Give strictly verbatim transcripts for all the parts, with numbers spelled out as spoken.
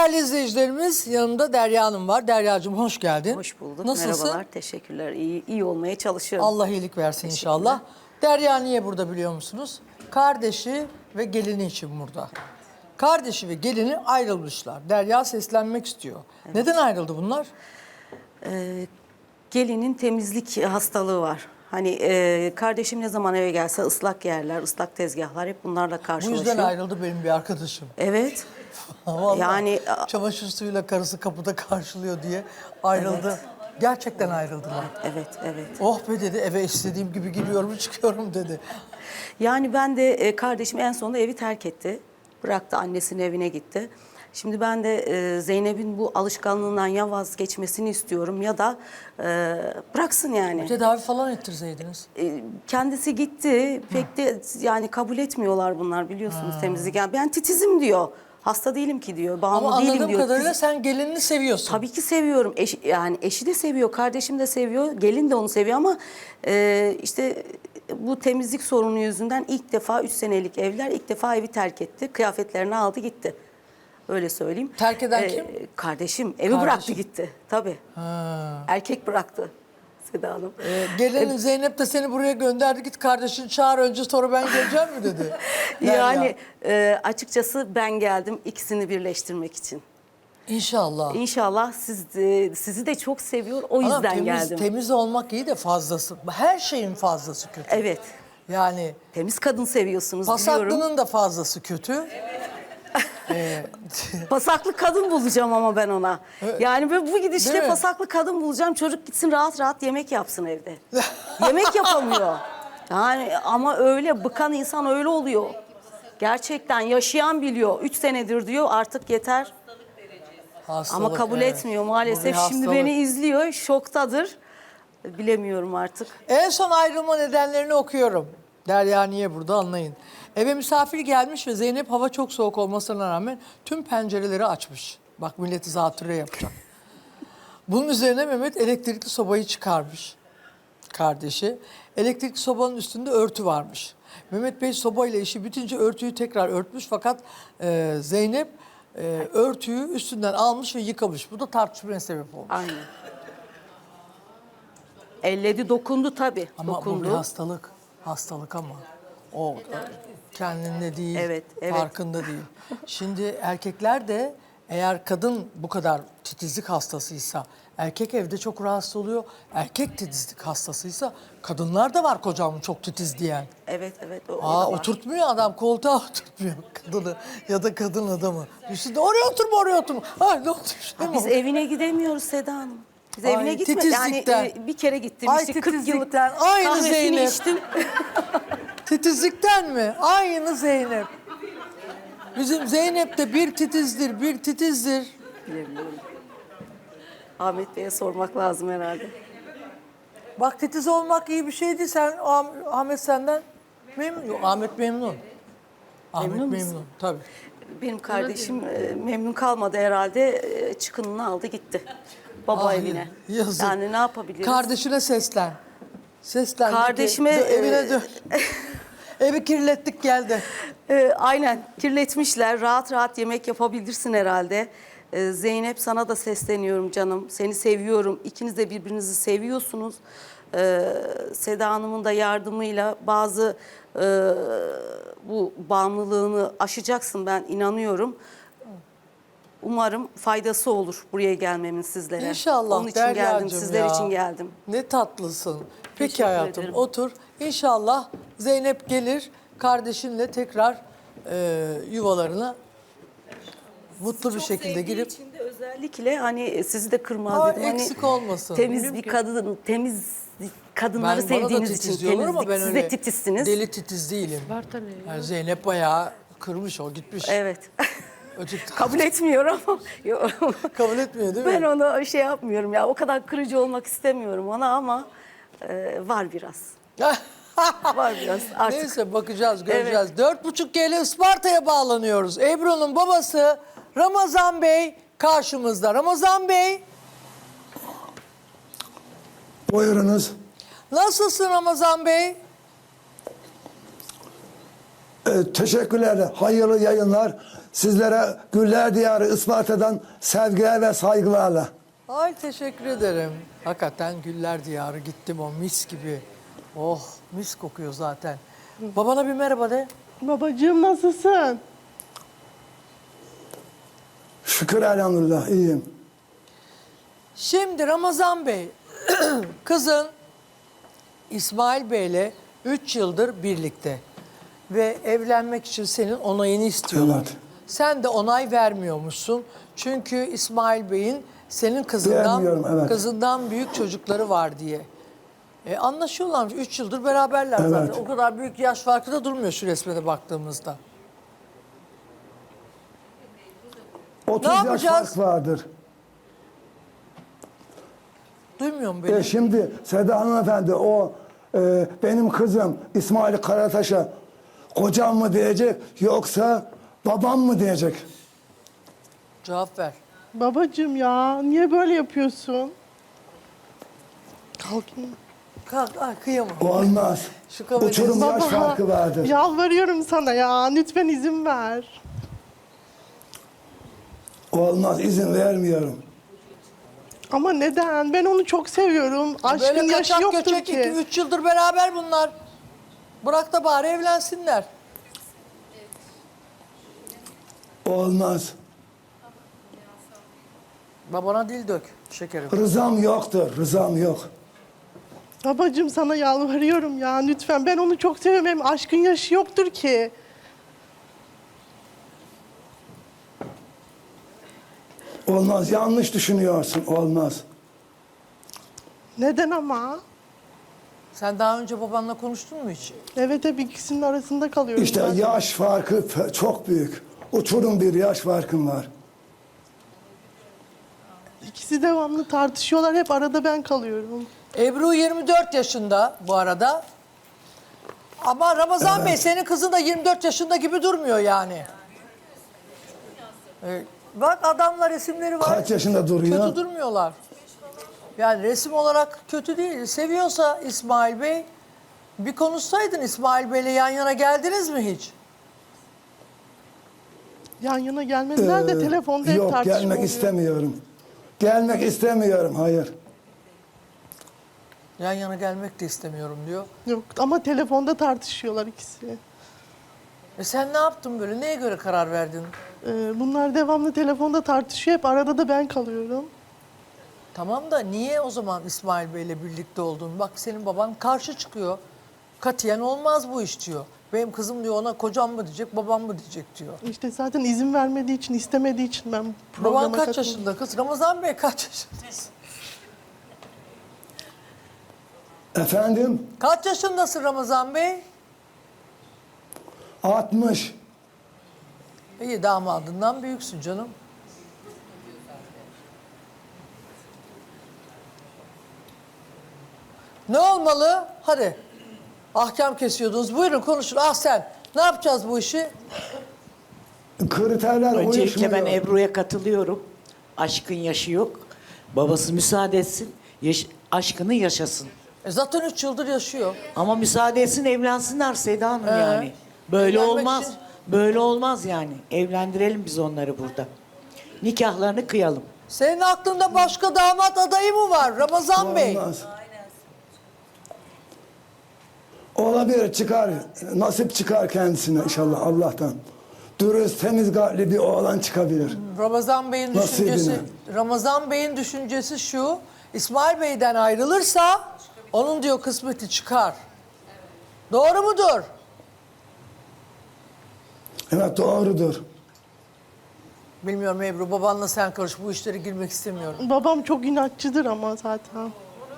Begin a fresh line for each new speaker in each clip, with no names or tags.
Değerli izleyicilerimiz, yanımda Derya Hanım var. Deryacığım hoş geldin.
Hoş bulduk.
Nasılsın?
Merhabalar. Teşekkürler. İyi, iyi olmaya çalışıyorum.
Allah iyilik versin inşallah. Derya niye burada biliyor musunuz? Kardeşi ve gelini için burada. Kardeşi ve gelini ayrılmışlar. Derya seslenmek istiyor. Evet. Neden ayrıldı bunlar?
Ee, gelinin temizlik hastalığı var. Hani e, kardeşim ne zaman eve gelse ıslak yerler, ıslak tezgahlar hep bunlarla
Bu
karşılaşıyor.
yüzden ayrıldı benim bir arkadaşım.
Evet.
Vallahi
Yani
çamaşır suyuyla karısı kapıda karşılıyor diye ayrıldı.
Evet.
Gerçekten ayrıldılar.
evet, evet.
Oh be dedi, eve istediğim gibi giriyorum çıkıyorum dedi.
Yani ben de e, kardeşim en sonunda evi terk etti. Bıraktı, annesinin evine gitti. Şimdi ben de e, Zeynep'in bu alışkanlığından ya vazgeçmesini istiyorum ya da e, bıraksın yani.
Tedavi falan ettirseydiniz.
E, kendisi gitti. Pek de yani kabul etmiyorlar bunlar, biliyorsunuz, temizlik. Yani ben titizim diyor. Hasta değilim ki diyor. Bağımlı
Ama
değilim
anladığım
diyor.
kadarıyla
Tiz-
sen gelinini seviyorsun.
Tabii ki seviyorum. Eş, yani eşi de seviyor, kardeşim de seviyor, gelin de onu seviyor ama e, işte bu temizlik sorunu yüzünden ilk defa üç senelik evler ilk defa evi terk etti. Kıyafetlerini aldı gitti. Öyle söyleyeyim.
Terk eden kim?
Kardeşim. Evi
Kardeşim.
bıraktı gitti. Tabii.
Ha.
Erkek bıraktı Seda Hanım.
Ee, gelinin Zeynep de seni buraya gönderdi. Git kardeşini çağır önce sonra ben geleceğim mi dedi.
Yani e, açıkçası ben geldim ikisini birleştirmek için.
İnşallah.
İnşallah siz de, sizi de çok seviyor, o yüzden
Anam, temiz,
geldim.
temiz olmak iyi de fazlası. Her şeyin fazlası kötü.
Evet.
Yani
Temiz kadın seviyorsunuz, biliyorum.
pasaklının da fazlası kötü. ee,
Pasaklı kadın bulacağım ama ben ona. Yani böyle bu
Değil
gidişle
mi?
pasaklı kadın bulacağım. Çocuk gitsin rahat rahat yemek yapsın evde. Yemek yapamıyor. Yani ama öyle bıkan insan öyle oluyor. Gerçekten yaşayan biliyor. Üç senedir diyor artık yeter.
hastalık,
Ama kabul
evet.
etmiyor
Bu bir
maalesef. Şimdi
hastalık.
beni izliyor, şoktadır. Bilemiyorum artık.
En son ayrılma nedenlerini okuyorum. Derya niye burada anlayın. Eve misafir gelmiş ve Zeynep hava çok soğuk olmasına rağmen tüm pencereleri açmış. Bak milleti zatürre yapacak. Bunun üzerine Mehmet elektrikli sobayı çıkarmış. Kardeşi. Elektrikli sobanın üstünde örtü varmış. Mehmet Bey sobayla işi bitince örtüyü tekrar örtmüş fakat e, Zeynep e, örtüyü üstünden almış ve yıkamış. Bu da tartışmaya sebep olmuş.
Aynen. Elledi, dokundu tabii.
Ama
dokundu.
bu bir hastalık. Hastalık ama. O kendinde değil,
Evet, evet.
farkında değil. Şimdi erkekler de eğer kadın bu kadar titizlik hastasıysa, erkek evde çok rahatsız oluyor. Erkek titizlik hastasıysa kadınlar da var kocam çok titiz diyen.
Evet, evet. O, o da
Aa,
var.
oturtmuyor adam, koltuğa oturtmuyor kadını ya da kadın adamı. Üstünde oraya oturma, oraya oturma. Ha, ne oldu? Şey mi
Biz
oldu?
evine gidemiyoruz Seda Hanım. Biz
Ay,
evine gitmedik. Yani
titizlikten.
e, bir kere gittim.
Ay,
işte kırk yıllık
titizlikten. Aynı
kahvesini
Zeynep.
içtim.
Titizlikten mi? Aynı Zeynep. Bizim Zeynep de bir titizdir, bir titizdir.
Bilemiyorum. Ahmet Bey'e sormak lazım herhalde.
Bak titiz olmak iyi bir şeydi. Sen Ah- Ahmet senden memnun. Yok, Ahmet memnun. Ahmet
Memnun
memnun,
musun?
tabii.
Benim kardeşim e, memnun kalmadı herhalde. E, çıkınını aldı gitti. Baba
Ah,
evine.
yazık.
Yani ne yapabiliriz?
Kardeşine seslen. Seslen.
Kardeşime,
Dö- evine
e,
dön. Evi kirlettik geldi.
E, aynen kirletmişler. Rahat rahat yemek yapabilirsin herhalde. E, Zeynep, sana da sesleniyorum canım. Seni seviyorum. İkiniz de birbirinizi seviyorsunuz. E, Seda Hanım'ın da yardımıyla bazı e, bu bağımlılığını aşacaksın, ben inanıyorum. Umarım faydası olur buraya gelmemin sizlere.
İnşallah
Onun için geldim,
Deryacığım
sizler
ya.
için geldim.
Ne tatlısın. Peki
Teşekkür
hayatım
ederim.
otur. İnşallah Zeynep gelir kardeşinle tekrar e, yuvalarına mutlu bir şekilde
sevdiği
girip
için de özellikle hani sizi de kırmaz
Aa,
dedim. Hani
eksik olmasın.
Temiz
Bilmiyorum
bir
ki.
kadın, temiz kadınları
ben bana da
sevdiğiniz
titiz
için
diyorlar
temizlik.
ama ben
Siz
öyle
de titizsiniz.
deli titiz değilim. Yani Zeynep bayağı kırmış o gitmiş.
Evet.
Öteki-
Kabul etmiyor ama. Yok.
Kabul etmiyor değil mi?
Ben onu şey yapmıyorum ya. O kadar kırıcı olmak istemiyorum ona ama e, var biraz. Var biraz artık.
Neyse bakacağız, göreceğiz. Dört buçuk G L Isparta'ya bağlanıyoruz. Ebru'nun babası Ramazan Bey karşımızda. Ramazan Bey,
Buyurunuz.
nasılsın Ramazan Bey?
Ee, teşekkürler. Hayırlı yayınlar. Sizlere Güller Diyarı Isparta'dan sevgiler ve saygılarla.
Ay teşekkür ederim. Hakikaten güller diyarı gittim o mis gibi. Oh mis kokuyor zaten. Babana bir merhaba de.
Babacığım nasılsın?
Şükür elhamdülillah iyiyim.
Şimdi Ramazan Bey, kızın İsmail Bey'le üç yıldır birlikte. Ve evlenmek için senin onayını istiyorlar.
Evet.
Sen de onay vermiyormuşsun. Çünkü İsmail Bey'in senin kızından
Vermiyorum, evet.
kızından büyük çocukları var diye. E, anlaşıyorlarmış. Üç yıldır beraberler
Evet.
zaten. O kadar büyük yaş farkı da durmuyor şu resme de baktığımızda.
otuz yaş
yapacağız?
fark vardır.
Duymuyor mu beni?
E şimdi Seda Hanımefendi o e, benim kızım İsmail Karataş'a kocam mı diyecek yoksa babam mı diyecek?
Cevap ver.
Babacığım ya niye böyle yapıyorsun? Kalkayım.
Kalk, ay kıyamam.
Olmaz.
Şu kabul
Uçurum
edin.
yaş farkı vardır.
Yalvarıyorum sana ya lütfen izin ver.
Olmaz izin vermiyorum.
Ama neden? Ben onu çok seviyorum. Aşkın
Böyle
yaşı
kaçak
yoktur
göçek iki
ki.
üç yıldır beraber bunlar. Bırak da bari evlensinler.
Olmaz.
Babana dil dök şekerim.
Rızam yoktur. Rızam yok.
Babacığım sana yalvarıyorum ya lütfen. Ben onu çok seviyorum. Hem aşkın yaşı yoktur ki.
Olmaz. Yanlış düşünüyorsun. Olmaz.
Neden ama?
Sen daha önce babanla konuştun mu hiç?
Evet hep ikisinin arasında kalıyorum.
İşte
zaten.
yaş farkı fe- çok büyük. Uçurum bir yaş farkım var.
İkisi devamlı tartışıyorlar. Hep arada ben kalıyorum.
Ebru yirmi dört yaşında bu arada. Ama Ramazan Bey senin kızın da yirmi dört yaşında gibi durmuyor yani. Ee, bak adamlar resimleri var.
Kaç yaşında duruyor?
Kötü durmuyorlar. Yani resim olarak kötü değil. Seviyorsa İsmail Bey bir konuşsaydın İsmail Bey'le yan yana geldiniz mi hiç?
Yan yana gelmediler de
Ee,
telefonda hep
Yok
tartışma
gelmek
oluyor.
istemiyorum. Gelmek istemiyorum. Hayır.
Yan yana gelmek de istemiyorum diyor.
Yok ama telefonda tartışıyorlar ikisi.
E sen ne yaptın böyle? Neye göre karar verdin?
Ee, bunlar devamlı telefonda tartışıyor. Hep arada da ben kalıyorum.
Tamam da niye o zaman İsmail Bey'le birlikte oldun? Bak senin baban karşı çıkıyor. Katiyen olmaz bu iş diyor. Benim kızım diyor ona kocam mı diyecek, babam mı diyecek diyor.
İşte zaten izin vermediği için, istemediği için ben
Baban
programa
kaç
katıldım.
yaşında kız? Ramazan Bey kaç yaşındasın?
Efendim?
Kaç yaşındasın Ramazan Bey?
altmış.
İyi damadından büyüksün canım. Ne olmalı? Hadi. Ahkam kesiyordunuz. Buyurun konuşun. Ah sen. Ne yapacağız bu işi?
Kriterler
Öncelikle ben
uyuşmuyor.
Ebru'ya katılıyorum. Aşkın yaşı yok. Babası müsaade etsin. Yaş- aşkını yaşasın.
E zaten üç yıldır yaşıyor.
Ama müsaade etsin evlensinler Seda Hanım
Ee,
yani. Böyle
evlenmek
olmaz.
için-
Böyle olmaz yani. Evlendirelim biz onları burada. Nikahlarını kıyalım.
Senin aklında başka damat adayı mı var Ramazan Bey?
Olmaz. Olabilir çıkar. Nasip çıkar kendisine inşallah Allah'tan. Dürüst, temiz kalpli bir oğlan çıkabilir.
Ramazan Bey'in
Nasibine.
düşüncesi Ramazan Bey'in düşüncesi şu. İsmail Bey'den ayrılırsa onun diyor kısmeti çıkar. Doğru mudur?
Evet doğrudur.
Bilmiyorum Ebru babanla sen karış bu işlere girmek istemiyorum.
Babam çok inatçıdır ama zaten.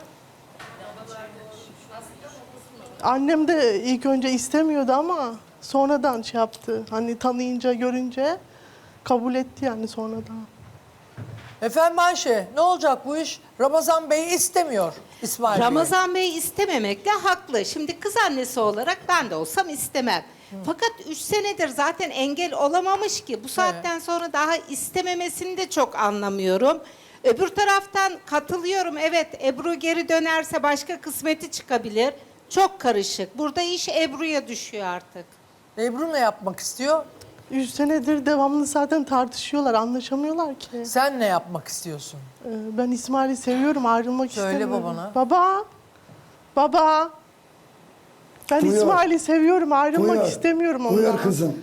Annem de ilk önce istemiyordu ama sonradan şey yaptı. Hani tanıyınca, görünce kabul etti yani sonradan.
Efendim Ayşe ne olacak bu iş? Ramazan Bey istemiyor İsmail Bey'i.
Ramazan Bey istememekle haklı. Şimdi kız annesi olarak ben de olsam istemem. Fakat üç senedir zaten engel olamamış ki. Bu saatten sonra daha istememesini de çok anlamıyorum. Öbür taraftan katılıyorum. Evet Ebru geri dönerse başka kısmeti çıkabilir. Çok karışık. Burada iş Ebru'ya düşüyor artık.
Ebru ne yapmak istiyor?
Üç senedir devamlı zaten tartışıyorlar, anlaşamıyorlar ki.
Sen ne yapmak istiyorsun?
Ee, Ben İsmail'i seviyorum, ayrılmak
Söyle
istemiyorum.
babana.
Baba, baba. Ben
Buyur.
İsmail'i seviyorum, ayrılmak
Buyur.
istemiyorum ondan.
Buyur kızım.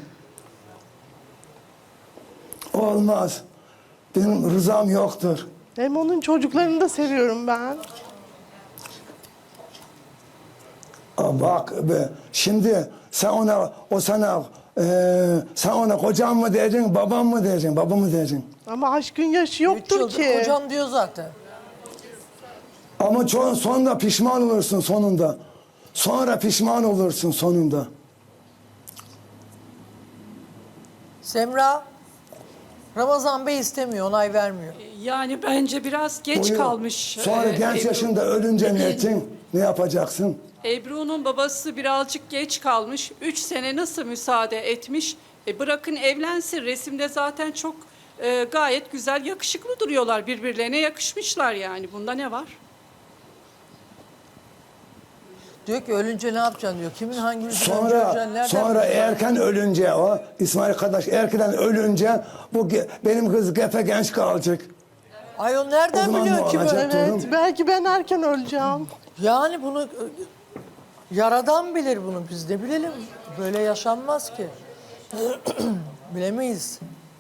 Olmaz. Benim rızam yoktur.
Hem onun çocuklarını da seviyorum ben.
Aa, bak be, şimdi sen ona, o sana, e, sen ona kocam mı diyeceksin, babam mı diyeceksin, babam mı diyeceksin?
Ama aşkın yaşı
Üç
yoktur
yıldır
ki.
kocam diyor zaten.
Ama ço- sonunda pişman olursun sonunda. Sonra pişman olursun sonunda.
Semra, Ramazan Bey istemiyor, onay vermiyor.
Yani bence biraz geç
Buyur.
kalmış.
Sonra
e,
genç
Ebru.
yaşında ölünce ne edeceksin? Ne yapacaksın?
Ebru'nun babası birazcık geç kalmış. Üç sene nasıl müsaade etmiş? E bırakın evlensin. Resimde zaten çok e, gayet güzel, yakışıklı duruyorlar. Birbirlerine yakışmışlar yani. Bunda ne var?
Diyor ki ölünce ne yapacaksın diyor. Kimin hangi yüzünden
Sonra
göreceksin, nereden
sonra
bileceksin?
erken ölünce o İsmail kardeş erkenden ölünce bu ge- benim kız gepe genç kalacak.
Ay o
O
nereden
zaman
biliyor
ne
kim
olacak?
öyle?
Evet, belki ben erken öleceğim.
Yani bunu e, yaradan bilir bunu, biz ne bilelim. Böyle yaşanmaz ki. Bilemeyiz.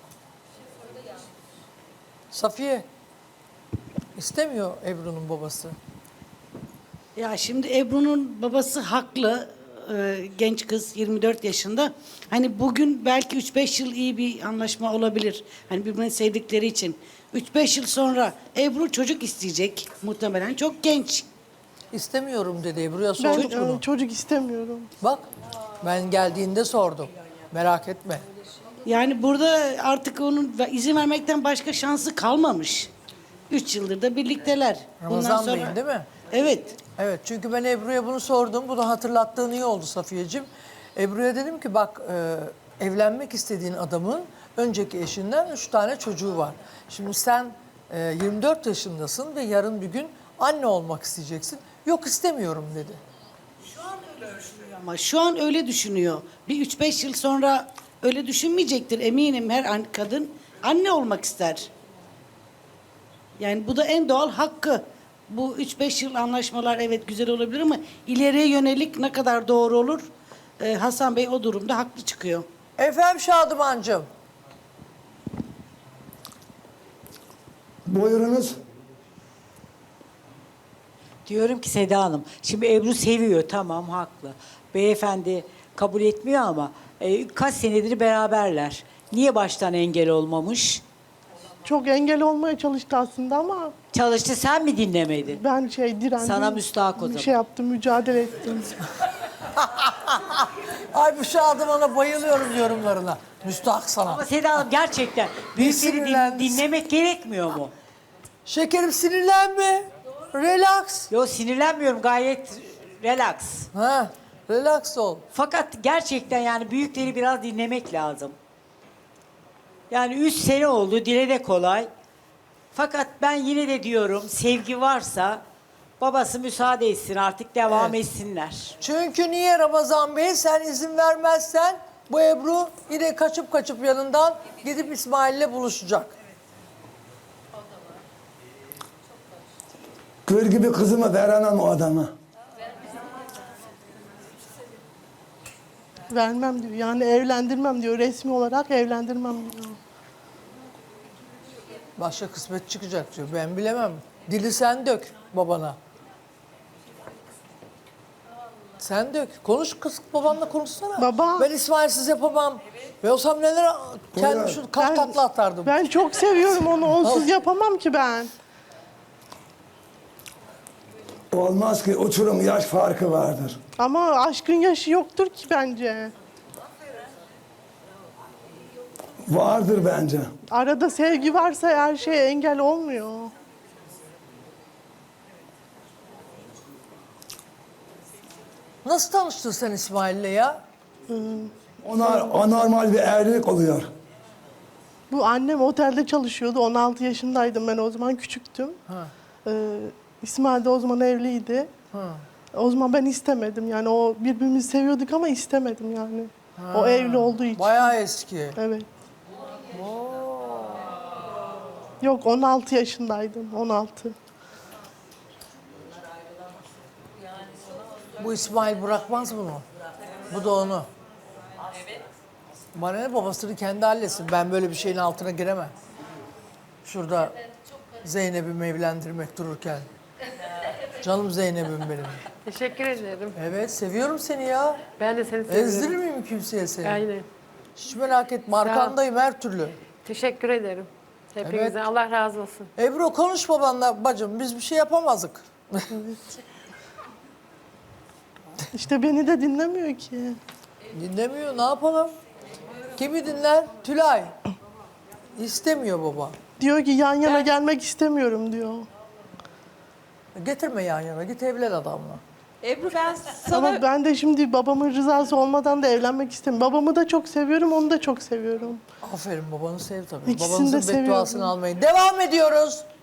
Safiye istemiyor Ebru'nun babası.
Ya şimdi Ebru'nun babası haklı. Ee, genç kız yirmi dört yaşında. Hani bugün belki üç beş yıl iyi bir anlaşma olabilir. Hani birbirini sevdikleri için. üç beş yıl sonra Ebru çocuk isteyecek muhtemelen. Çok genç.
İstemiyorum dedi Ebru'ya
Ben
sorduk
e,
bunu.
çocuk istemiyorum.
Bak ben geldiğinde sordum. Merak etme.
Yani burada artık onun izin vermekten başka şansı kalmamış. Üç yıldır da birlikteler.
Ramazan Bey'in değil mi?
Evet.
Evet çünkü ben Ebru'ya bunu sordum. Bunu hatırlattığın iyi oldu Safiyeciğim. Ebru'ya dedim ki bak e, evlenmek istediğin adamın önceki eşinden üç tane çocuğu var. Şimdi sen e, yirmi dört yaşındasın ve yarın bir gün anne olmak isteyeceksin. Yok istemiyorum dedi.
Ama şu an öyle düşünüyor. Bir üç beş yıl sonra öyle düşünmeyecektir eminim, her an- kadın anne olmak ister. Yani bu da en doğal hakkı. Bu üç beş yıl anlaşmalar evet güzel olabilir ama ileriye yönelik ne kadar doğru olur? Ee, Hasan Bey o durumda haklı çıkıyor.
Efendim Şadımancığım.
Buyurunuz.
Diyorum ki Seda Hanım, şimdi Ebru seviyor, tamam haklı. Beyefendi kabul etmiyor ama e, kaç senedir beraberler. Niye baştan engel olmamış?
Çok engel olmaya çalıştı aslında ama
Çalıştı, sen mi dinlemedin?
ben şey direndim.
Sana müstahak o
Bir
zaman.
şey yaptım, mücadele ettim.
Ay bu Şadıman'a bayılıyorum yorumlarına. Müstahak sana.
Ama Seda Hanım gerçekten büyükleri din-
sinirlendin.
dinlemek gerekmiyor mu?
Şekerim sinirlenme. Relax.
Yo, sinirlenmiyorum, gayet relax.
Ha, relax ol.
Fakat gerçekten yani büyükleri biraz dinlemek lazım. Yani üç sene oldu, dile de kolay. Fakat ben yine de diyorum, sevgi varsa babası müsaade etsin, artık devam
Evet.
etsinler.
Çünkü niye Ramazan Bey sen izin vermezsen bu Ebru yine kaçıp kaçıp yanından gidip İsmail'le buluşacak.
Gül gibi kızımı veremem o adama.
Vermem diyor. Yani evlendirmem diyor. Resmi olarak evlendirmem diyor.
Başka kısmet çıkacak diyor. Ben bilemem. Dili sen dök babana. Sen dök. Konuş kız babanla konuşsana.
Baba.
Ben İsmail'siz yapamam. Ve olsam neler kendim
Buyur.
şu kalk takla atardım.
Ben çok seviyorum onu. Onsuz yapamam ki ben.
Olmaz ki uçurum yaş farkı vardır.
Ama aşkın yaşı yoktur ki bence.
Vardır bence.
Arada sevgi varsa her şeye engel olmuyor.
Nasıl tanıştın sen İsmail'le ya?
Ona anormal bir evlilik oluyor.
Bu annem otelde çalışıyordu. on altı yaşındaydım ben o zaman, küçüktüm. Ee, İsmail de o zaman evliydi. O zaman ben istemedim yani, o birbirimizi seviyorduk ama istemedim yani. O evli olduğu için.
Bayağı eski.
Evet. Yok on altı yaşındaydım. on altı.
Bu İsmail bırakmaz bunu. Bu da onu. Bana ne, babasını kendi halletsin. Ben böyle bir şeyin altına giremem. Şurada Zeynep'imi evlendirmek dururken. Canım Zeynep'im benim.
Teşekkür ederim.
Evet, seviyorum seni ya.
Ben de seni seviyorum.
Ezdirir miyim kimseye seni?
Aynen.
Hiç merak etme, arkandayım her türlü.
Teşekkür ederim. Hepinizden
Evet.
Allah razı olsun.
Ebru konuş babanla bacım, biz bir şey yapamazdık.
İşte beni de dinlemiyor ki.
Dinlemiyor, ne yapalım? Kimi dinler? Tülay. İstemiyor baba.
Diyor ki yan yana gelmek istemiyorum diyor.
Getirme yan yana, git evlen adamla.
Ebru ben sana
Ama ben de şimdi babamın rızası olmadan da evlenmek istemiyorum. Babamı da çok seviyorum, onu da çok seviyorum.
Aferin, babanı sev tabii.
İkisini de
Babanızın
seviyorum.
bedduasını almayın. Devam ediyoruz.